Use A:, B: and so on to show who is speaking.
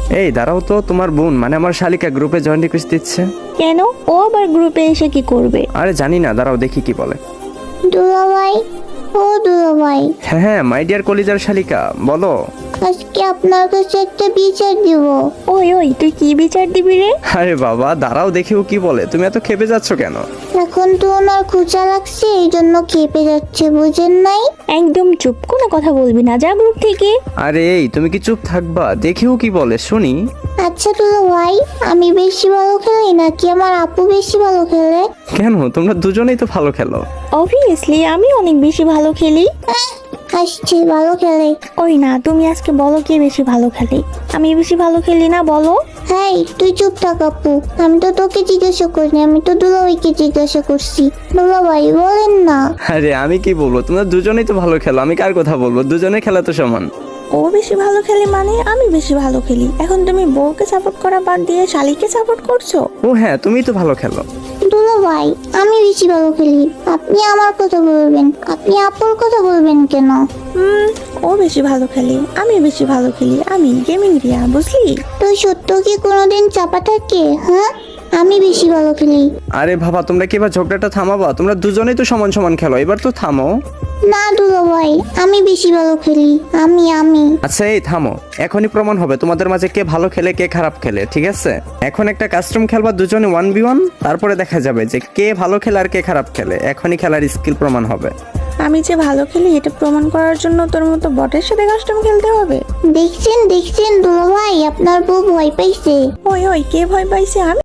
A: এই দাঁড়াও তো, তোমার বোন মানে আমার শালিকা গ্রুপে জয়েন রিকোয়েস্ট দিচ্ছে।
B: কেন, ও আবার গ্রুপে এসে কি করবে?
A: আরে জানি না, দাঁড়াও দেখি কি বলে।
C: দুলাভাই, ও দুলাভাই,
A: হ্যাঁ হ্যাঁ, মাই ডিয়ার কলিজার শালিকা, বলো।
C: আজকে আপনার কাছে একটা বিচার দিব।
B: ওই ওই, তুই কি বিচার দিবি রে?
A: আরে বাবা দাঁড়াও দেখিও কি বলে, তুমি এত খেপে যাচ্ছ কেন?
C: এখন তো ওনার খোঁচা লাগছে, এই জন্য খেপে যাচ্ছে, বুঝেন নাই?
B: একদম চুপ, কোনো কথা বলবি না, যা গ্রুপ থেকে।
A: আরে এই তুমি কি চুপ থাকবা? দেখিও কি বলে শুনি।
C: আচ্ছা দুলাভাই, আমি বেশি ভালো খেলি নাকি আমার আপু বেশি ভালো খেলে?
A: কেন, তোমরা দুজনেই তো ভালো খেলো।
B: অবভিয়াসলি আমি অনেক বেশি ভালো খেলি।
C: আসছে ভালো খেলে।
B: ওই না, তুমি আজকে বলো কে বেশি ভালো খেলে। আমি বেশি ভালো খেলি না, বলো।
C: হ্যাঁ, তুই চুপ থাক আপু, আমি তো তোকে জিজ্ঞাসা করিনি, আমি তো দুলাভাইকে জিজ্ঞাসা করছি। দুলাভাই বলেন না।
A: আরে আমি কি বলবো, তোমরা দুজনেই তো ভালো খেলো, আমি কার কথা বলবো? দুজনের খেলা তো সমান।
B: ও বেশি ভালো খেলে মানে আমি বেশি ভালো খেলি। এখন তুমি বউকে সাপোর্ট করা বাদ দিয়ে শালিকে সাপোর্ট করছো।
A: ও হ্যাঁ, তুমিই তো ভালো খেলো।
C: দুলাভাই, আমি বেশি ভালো খেলি, আপনি আমার কথা বলবেন, আপনি আপুর কথা বলবেন কেন?
B: ও বেশি ভালো খেলে, আমি বেশি ভালো খেলি, আমি গেমিং রিয়া, বুঝলি?
C: তো সত্য কি কোনোদিন চাপা থাকে? হ্যাঁ, আমি বেশি ভালো খেলি।
A: আরে বাবা, তোমরা কি এবার ঝগড়াটা থামাবা? তোমরা দুজনেই তো সমান সমান খেলো, এবার তো থামো।
C: না দুলাভাই, আমি বেশি ভালো খেলি, আমি
A: আচ্ছা এই থামো, এখনই প্রমাণ হবে তোমাদের মাঝে কে ভালো খেলে কে খারাপ খেলে, ঠিক আছে? এখন একটা কাস্টম খেলবা দুজনে 1v1, তারপরে দেখা যাবে যে কে ভালো খেলে আর কে খারাপ খেলে। এখনই খেলার স্কিল প্রমাণ হবে।
B: আমি যে ভালো খেলি এটা প্রমাণ করার জন্য তোর মতো বটের সাথে কাস্টম খেলতে হবে?
C: দেখছেন দুলাভাই, আপনার বউ ভয় পাইছে।
B: ওই ওই, কে ভয় পাইছে? আমি